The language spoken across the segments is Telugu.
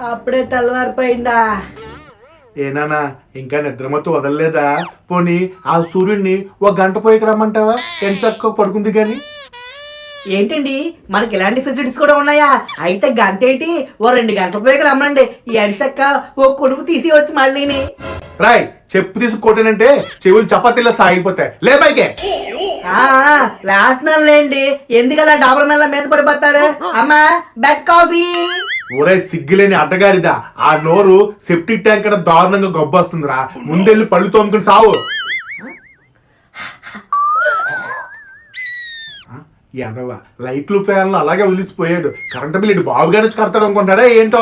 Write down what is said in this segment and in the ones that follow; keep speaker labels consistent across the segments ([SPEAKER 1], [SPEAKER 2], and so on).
[SPEAKER 1] అప్పుడే తెల్లవారిపోయిందా?
[SPEAKER 2] ఏనానా ఇంకా నిద్రమత్తు వదలలేదా? పోనీ ఆ సూర్యుడిని ఒక గంట పోయికి రమ్మంటావా? ఎంచక్క పడుకుంది గాని.
[SPEAKER 1] ఏంటండి మనకి ఇలాంటి ఫెసిలిటీస్ కూడా ఉన్నాయా? అయితే గంట ఏంటి, ఓ 2 గంటల పోయి రమ్మండి. ఎంచక్క ఓ కొడుకు తీసి వచ్చి మళ్ళీని.
[SPEAKER 2] రాయ్ చెప్పు తీసుకొట్టానంటే చెవులు చపాతీలో సాగిపోతాయి. లే పైకే.
[SPEAKER 1] లేస్తున్నానులేండి, ఎందుకలా డాబర్ మెల్ల మీద పడిపోతారు? అమ్మా బెడ్ కాఫీ.
[SPEAKER 2] ఊరే సిగ్గులేని అడ్డగారిదా, ఆ నోరు సెప్టిక్ ట్యాంక్ కన్నా దారుణంగా గొబ్బొస్తుందిరా. ముందెళ్ళి పళ్ళు తోముకుని సావు. ఎదవా లైట్లు ఫ్యాన్లు అలాగే వదిలిసిపోయాడు. కరెంటు బిల్లు బాబుగానే వచ్చి కడతాడు అనుకుంటాడా ఏంటో.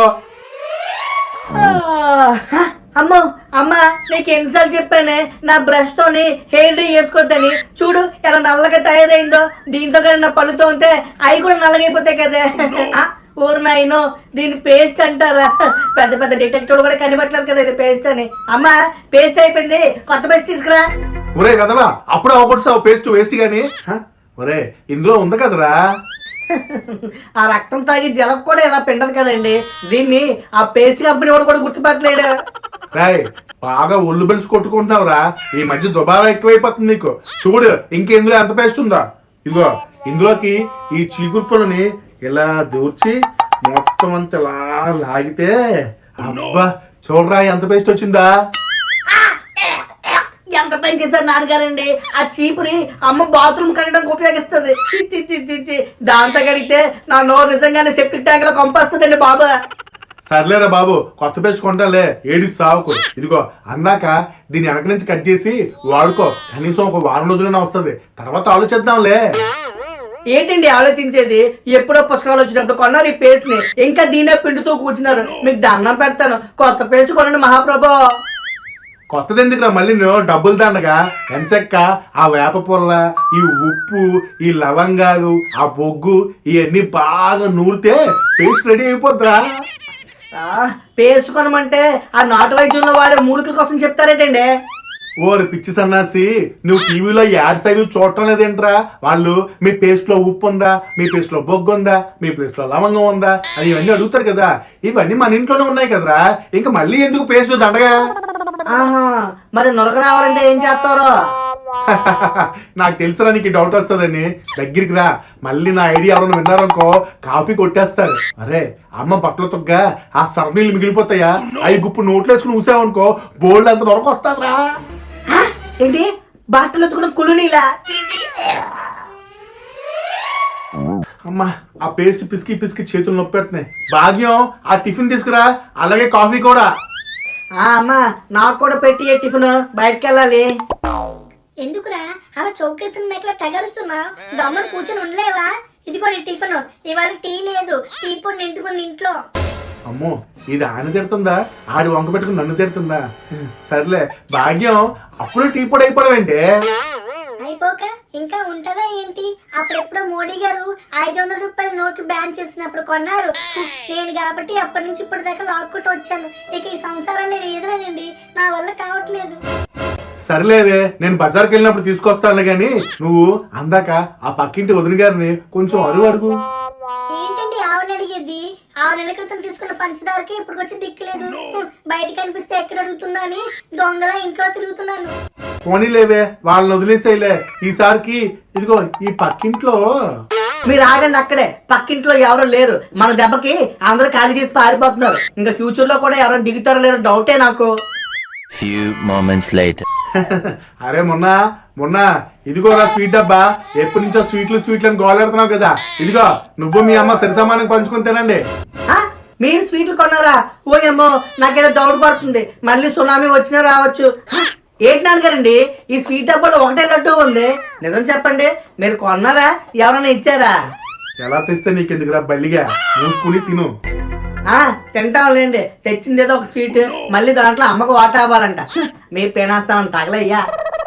[SPEAKER 1] అమ్మో అమ్మా, నీకు ఎన్నిసార్లు చెప్పానే నా బ్రష్ తోని హెయిర్ డ్రై చేసుకోవద్దని. చూడు ఎలా నల్లగా తయారైందో. దీంతో కానీ నా పళ్ళుతో ఉంటే అవి కూడా నల్లగైపోతాయి కదా. ఊరు నాయనో, దీని పేస్ట్ అంటారా? పెద్ద పెద్ద డిటెక్టివ్ కూడా కనిపెట్టలేదు కదా ఇది పేస్ట్ అని. అమ్మా పేస్ట్ అయిపోయింది, కొత్త పేస్ట్ తీసుకురా.
[SPEAKER 2] ఒరే కదవా అప్పుడు అవకొట్టావు పేస్ట్ వేస్ట్ గాని. ఒరే ఇందులో ఉంది కదరా.
[SPEAKER 1] ఆ రక్తం తాగి జలం కూడా ఇలా పిండదు కదండి. దీన్ని ఆ పేస్ట్ కంపెనీ వాడు కూడా గుర్తుపట్టలేడు.
[SPEAKER 2] రాయ్ బాగా ఒళ్ళు బెలిసి కొట్టుకుంటున్నావురా. ఈ మధ్య దుబారా ఎక్కువైపోతుంది నీకు. చూడు ఇంకెందులో ఎంత పేస్ట్ ఉందా. ఇదిగో ఇందులోకి ఈ చీకురు పుల్లని ఇలా దూర్చి మొత్తం అంతా ఇలా లాగితే అబ్బా చూడరా ఎంత పేస్ట్ వచ్చిందా.
[SPEAKER 1] ఎంత పని చేశారు నాన్నగారండి. ఆ చీపుని అమ్మ బాత్రూమ్ కట్టడానికి ఉపయోగిస్తుంది. దాంతో కడిగితే నా నోరు నిజంగానే సెప్టిక్ ట్యాంక్ లో కంపొస్తుందండి బాబా.
[SPEAKER 2] సర్లేరా బాబు, కొత్త పేస్ట్ కొంటాలే, ఏడి సావుకు. ఇదిగో అందాక దీని వెనక నుంచి కట్ చేసి వాడుకో. కనీసం ఒక వారం రోజులైనా వస్తుంది, తర్వాత ఆలోచిద్దాంలే.
[SPEAKER 1] ఏంటండి ఆలోచించేది? ఎప్పుడో పుస్తకాలు వచ్చినప్పుడు కొన్నారు ఈ పేస్ట్ ని, ఇంకా దీనే పిండుతూ కూర్చున్నారు. మీకు దండం పెడతాను, కొత్త పేస్ట్ కొనండి మహాప్రభు.
[SPEAKER 2] కొత్తది ఎందుకురా మళ్ళీ నువ్వు డబ్బులు దండగా. ఎంచక్క ఆ వేప పుల్ల, ఈ ఉప్పు, ఈ లవంగాలు, ఆ బొగ్గు ఇవన్నీ బాగా నూరితే పేస్ట్ రెడీ అయిపోద్దా.
[SPEAKER 1] పేస్ట్ కొనమంటే ఆ నాటు వైద్యంలో వాడే మూలికల కోసం చెప్తారేటండి.
[SPEAKER 2] ఓరి పిచ్చి సన్నాసి, నువ్వు టీవీలో యాడ్ సైజు చూడటం లేదేంట్రా? వాళ్ళు మీ పేస్ట్ లో ఉప్పు ఉందా, మీ పేస్ట్ లో బొగ్గు ఉందా, మీ పేస్ట్ లో లవంగం ఉందా అని ఇవన్నీ అడుగుతారు కదా. ఇవన్నీ మన ఇంట్లోనే ఉన్నాయి కదరా, ఇంకా మళ్ళీ ఎందుకు పేస్ట్ దండగా.
[SPEAKER 1] మరి నొరక రావాలంటే ఏం చేస్తారో?
[SPEAKER 2] నాకు తెలుసురా నీకు డౌట్ వస్తుందని. దగ్గరికి రా, మళ్ళీ నా ఐడియా ఎవరైనా విన్నారనుకో కాపీ కొట్టేస్తారు. అరే అమ్మ బట్టలు తొగ్గా ఆ సర్నీళ్ళు మిగిలిపోతాయా, అవి గుప్పు నోట్లు వేసుకుని ఊసావనుకో బోల్డ్ అంత నొరక వస్తారా.
[SPEAKER 1] ఏంటి బట్టలు ఎత్తుకున్న కులునీలా?
[SPEAKER 2] అమ్మా ఆ పేస్ట్ పిసికి పిసికి చేతులు నొప్పి పెడుతున్నాయి. భాగ్యం ఆ టిఫిన్ తీసుకురా, అలాగే కాఫీ కూడా.
[SPEAKER 1] అమ్మా నాకు కూడా పెట్టి టిఫిన్, బయటకు వెళ్ళాలి.
[SPEAKER 3] ఎందుకురా అలా చౌకేసిన మేకలా తగలుస్తున్నా? దమ్మును కూర్చొని ఉండలేవా? ఇది కూడా టిఫిన్. ఇవాళ టీ లేదు, టీ పొడి నిండుకుంది ఇంట్లో.
[SPEAKER 2] అమ్మో ఇది ఆయన తిడుతుందా, ఆడి వంక పెట్టుకుని నన్ను తిడుతుందా? సర్లే భాగ్యం, అప్పుడే టీ పొడి అయిపోవడం
[SPEAKER 3] అయిపోక ఇంకా ఉంటదా ఏంటి? అప్పుడెప్పుడో మోడీ గారు 500 రూపాయల నోట్లు బ్యాన్ చేసినప్పుడు కొన్నారు. నేను కాబట్టి అప్పటి నుంచి ఇప్పటి దాకా లాక్కుంటూ వచ్చాను. ఇక ఈ సంసారం నేను ఎదురనండి, నా వల్ల కావట్లేదు.
[SPEAKER 2] సర్లేవే, నేను బజార్కి వెళ్ళినప్పుడు తీసుకొస్తాను గాని నువ్వు అందాక ఆ పక్కింటి వదిన గారిని కొంచెం అడుగు.
[SPEAKER 3] ఏంటండి ఆవిడ అడిగేది? 6 నెలల క్రితం తీసుకున్న పంచదారకి ఇప్పుడు వచ్చి దిక్కులేదు. బయట కనిపిస్తే ఎక్కడ అడుగుతుందా అని దొంగలా ఇంట్లో తిరుగుతున్నాను.
[SPEAKER 2] పోనీలేవే, వాళ్ళని వదిలేసేయలే ఈసారికి. ఇదిగో ఈ పక్కింట్లో.
[SPEAKER 1] మీరు ఆగండి అక్కడే, పక్కింట్లో ఎవరు లేరు. మన దెబ్బకి అందరూ ఖాళీ చేసి పారిపోతున్నారు. ఇంకా ఫ్యూచర్ లో కూడా ఎవరైనా దిగుతారో లేదో డౌటే నాకు.
[SPEAKER 4] Few moments later.
[SPEAKER 2] అరే మొన్న ఇదిగో నా స్వీట్ డబ్బా. ఎప్పటి నుంచో స్వీట్లు అని గోలెడుతున్నావు కదా. ఇదిగో నువ్వు మీ అమ్మ సరి సమానంగా పంచుకొని తినండి.
[SPEAKER 1] మీరు స్వీట్లు కొన్నారా? ఓయమ్మో నాకేదో డౌట్ పడుతుంది, మళ్ళీ సునామీ వచ్చినా రావచ్చు. ఏంటి నాన్నగారండి ఈ స్వీట్ డబ్బాలో ఒకటే లడ్డు ఉంది? నిజం చెప్పండి, మీరు కొన్నారా, ఎవరైనా ఇచ్చారా?
[SPEAKER 2] ఎలా తెస్తే నీకెందుకురా బల్లిగా, మూసుకుని తిను.
[SPEAKER 1] తింటాంలేండి, తెచ్చింది ఏదో ఒక స్వీట్, మళ్ళీ దాంట్లో అమ్మకు వాటా అవ్వాలంట. మీ పేనాస్తామని తగలయ్యా.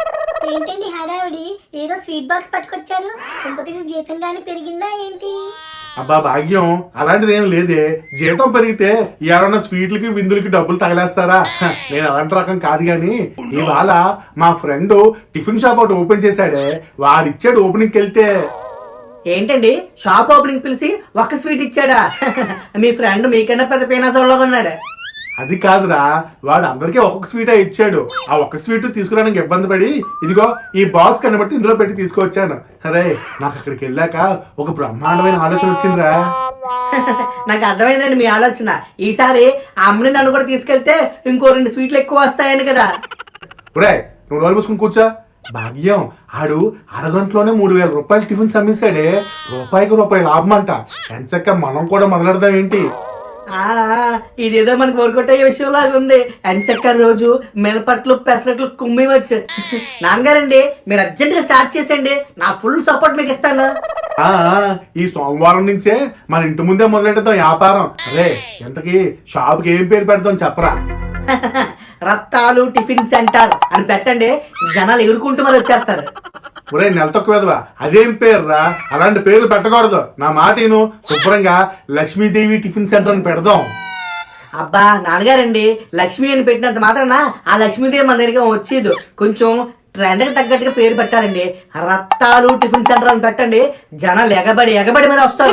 [SPEAKER 3] ఏంటండి హడావిడి? ఏదో స్వీట్ బాక్స్ పట్టుకొచ్చారు. ఇంకొకటి జీతం గానీ పెరిగిందా ఏంటి?
[SPEAKER 2] అబ్బా భాగ్యం, అలాంటిది ఏం లేదే. జీతం పెరిగితే ఎవరన్నా స్వీట్లకి విందులకి డబ్బులు తగలేస్తారా? నేను అలాంటి రకం కాదు గాని ఇవాళ మా ఫ్రెండ్ టిఫిన్ షాప్ ఒకటి ఓపెన్ చేశాడే, వాడిచ్చాడు ఓపెనింగ్కి వెళ్తే.
[SPEAKER 1] ఏంటండి షాప్ ఓపెనింగ్ పిలిచి ఒక స్వీట్ ఇచ్చాడా? మీ ఫ్రెండ్ మీకన్నా పెద్ద పీనాసోళ్ళగా ఉన్నాడు.
[SPEAKER 2] అది కాదురా, వాడు అందరికీ ఒక్కొక్క స్వీటే ఇచ్చాడు. ఆ ఒక్క స్వీట్ తీసుకురావడానికి ఇబ్బంది పడి ఇదిగో ఈ బాక్స్ కనబట్టి ఇందులో పెట్టి తీసుకొచ్చాను. అరే నాకు అక్కడికి వెళ్ళాక ఒక బ్రహ్మాండమైన ఆలోచన వచ్చిందిరా.
[SPEAKER 1] నాకు అర్థమైందండి మీ ఆలోచన. ఈసారి ఆ అమ్మని నన్ను కూడా తీసుకెళ్తే ఇంకో 2 స్వీట్లు ఎక్కువ వస్తాయని కదా.
[SPEAKER 2] ఒరే నువ్వు రోజు మూసుకుని కూర్చో. భాగ్యం ఆడు అరగంటలోనే 3000 రూపాయలు టిఫిన్స్ అమ్మేశాడే. రూపాయికి రూపాయి లాభం అంట. ఎంచక్క మనం కూడా మొదలెడదాం ఏంటి?
[SPEAKER 1] ఇదేదో మనకు వర్కౌట్ అయ్యే విషయం లాగా ఉంది. ఎంచక్క రోజు మినపట్లు పెసరట్లు కుమ్మివచ్చు. నాన్నగారండి మీరు అర్జెంట్ గా స్టార్ట్ చేసేయండి, నా ఫుల్ సపోర్ట్ మీకు ఇస్తాను.
[SPEAKER 2] ఈ సోమవారం నుంచే మన ఇంటి ముందే మొదలెడతాం వ్యాపారం. అరే ఎంతకి షాప్కి ఏం పేరు పెడతాం చెప్పరా?
[SPEAKER 1] రత్తాలు టిఫిన్ సెంటర్ అని పెట్టండి, జనాలు ఎగురుకుంటూ మరి వచ్చేస్తారు.
[SPEAKER 2] ఒరే నెల తక్కువ అదేం పేర్రా? అలాంటి పేర్లు పెట్టకూడదు. నా మాట నేను శుభ్రంగా లక్ష్మీదేవి టిఫిన్ సెంటర్ అని పెడదాం.
[SPEAKER 1] అబ్బా నాన్నగారండి, లక్ష్మి అని పెట్టినంత మాత్రాన ఆ లక్ష్మీదేవి మన దగ్గర వచ్చేది. కొంచెం ట్రెండ్కి తగ్గట్టుగా పేరు పెట్టాలండి. రత్తాలు టిఫిన్ సెంటర్ అని పెట్టండి, జనాలు ఎగబడి మరి వస్తారు.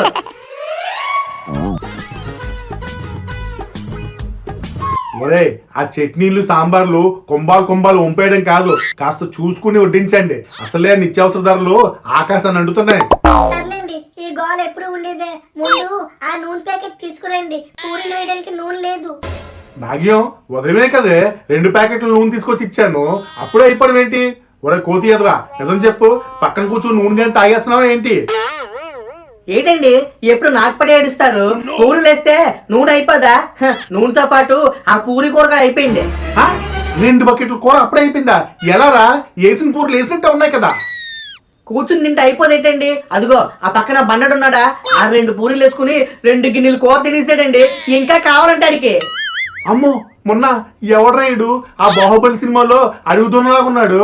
[SPEAKER 2] ఒరే ఆ చట్నీలు సాంబార్లు కుంభాలు వంపేయడం కాదు, కాస్త చూసుకుని వడ్డించండి. అసలే నిత్యావసర ధరలు ఆకాశాన్ని అంటుతున్నాయి.
[SPEAKER 3] సర్లేండి, ఈ గోల్ ఎప్పుడు ఉండేదే. ముందు ఆ నూనె ప్యాకెట్ తీసుకురండి, పూరీలు వేయడానికి నూనె లేదు.
[SPEAKER 2] భాగ్యం ఉదయమే కదే 2 ప్యాకెట్ల నూనె తీసుకొచ్చి ఇచ్చాను, అప్పుడే అయిపోవడం ఏంటి? ఒరే కోతి ఎదవా నిజం చెప్పు, పక్కన కూర్చొని నూనె కానీ తాగేస్తున్నావా ఏంటి?
[SPEAKER 1] ఏంటండి ఎప్పుడు నాకు పడి ఏడుస్తారు? పూరీలు వేస్తే నూనె అయిపోదా? నూనెతో పాటు ఆ పూరి కూర కూడా అయిపోయింది.
[SPEAKER 2] 2 బకెట్ల కూర అప్పుడే అయిపోయిందా? ఎలారా? వేసిన పూరలు వేసినట్టే ఉన్నాయి కదా.
[SPEAKER 1] కూర్చుని తింటే అయిపోదేంటండి? అదిగో ఆ పక్కన బండడున్నాడా, ఆ 2 పూరీలు వేసుకుని 2 గిన్నెలు కూర తినేసాడండి. ఇంకా కావాలంటే అడిగి.
[SPEAKER 2] అమ్మో మొన్న ఎవడ్రాయుడు ఆ బాహుబలి సినిమాలో అడుగుతున్నలాగా ఉన్నాడు.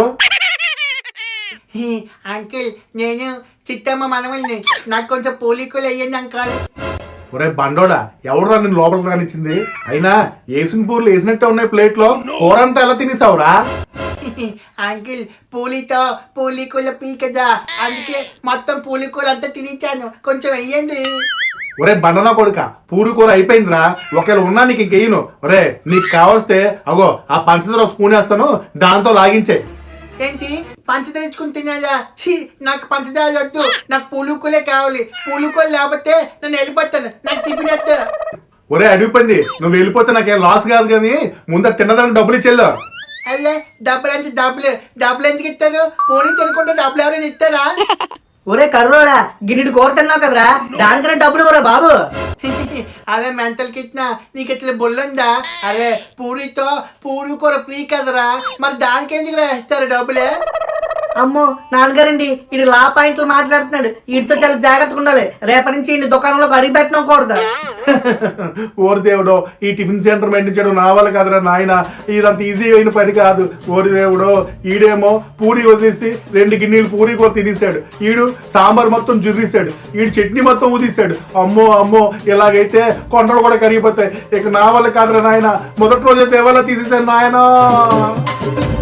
[SPEAKER 1] అంకిల్ నేను చిత్తమ్మ మనవల్ని, నాకు కొంచెం పోలికలు అయ్యింది అంకాల్.
[SPEAKER 2] ఒరే బండోడా ఎవడురా నేను లోపలికి రానిచ్చింది? అయినా వేసిన పూర్లు వేసినట్టే ఉన్నాయి ప్లేట్లో, కూర అంతా ఎలా తినేసావురా?
[SPEAKER 1] అంకిల్ పూలితో పూలికూల పీకదా, అందుకే మొత్తం పూలికూల అంతా తినిచ్చాను, కొంచెం వెయ్యండి.
[SPEAKER 2] ఒరే బండనా కొడుక, పూరి కూర అయిపోయిందిరా. ఒకవేళ ఉన్నా నీకు ఇంకెయ్యను. ఒరే నీకు కావలిస్తే అగో ఆ పంచదార స్పూన్ వేస్తాను, దాంతో లాగించే.
[SPEAKER 1] ఏంటి పంచదార తెచ్చుకుని తినాలా? ఛీ, నాకు పంచదార వద్దు, నాకు పూలుకోలే కావాలి. పూలుకోలు లేకపోతే నేను వెళ్ళిపోతాను, నాకు తిప్పినట్టు.
[SPEAKER 2] ఒరే అడిగిపోయింది, నువ్వు వెళ్ళిపోతే నాకేం లాస్ కాదు కానీ ముందు తిన్నదానికి డబ్బులు ఇచ్చేళ్ళు.
[SPEAKER 1] అల్లే డబ్బులు అంటే డబ్బులు ఎందుకు ఇస్తారు? పోనీ తినకుండా డబ్బులు ఎవరైనా ఇస్తారా? ఒరే కర్రోడా, గిన్నెడు కూర తిన్నావు కదరా, దానికన్నా డబ్బులు కూడా బాబు. అరే మెంటల్ కిట్నా, నీకు ఇట్లా బొల్లుందా? అరే పూరి కూర ఫ్రీ కదరా, మరి దానికి ఎందుకు వేస్తారు డబ్బులే? అమ్మో నాన్నగారండి, ఇది లా పాయింట్లు మాట్లాడుతున్నాడు. వీటితో చాలా జాగ్రత్తగా ఉండాలి. రేపటి నుంచి ఈ దుకాణంలోకి అడిగి పెట్టకూడదు.
[SPEAKER 2] ఓరి దేవుడో, ఈ టిఫిన్ సెంటర్ మెయింటైన్ నా వల్ల కాదురా నాయన, ఇదంత ఈజీ అయిన పని కాదు. ఓరి దేవుడో, ఈడేమో పూరి వదిలేసి 2 గిన్నెలు పూరి కూర తినేసాడు, ఈడు సాంబార్ మొత్తం జుర్రీసాడు, ఈడు చట్నీ మొత్తం ఊదిసాడు. అమ్మో ఇలాగైతే కొండలు కూడా కరిగిపోతాయి. ఇక నా వల్ల కాదురా నాయన, మొదటి రోజు దేవాలా తీసేసాను నాయన.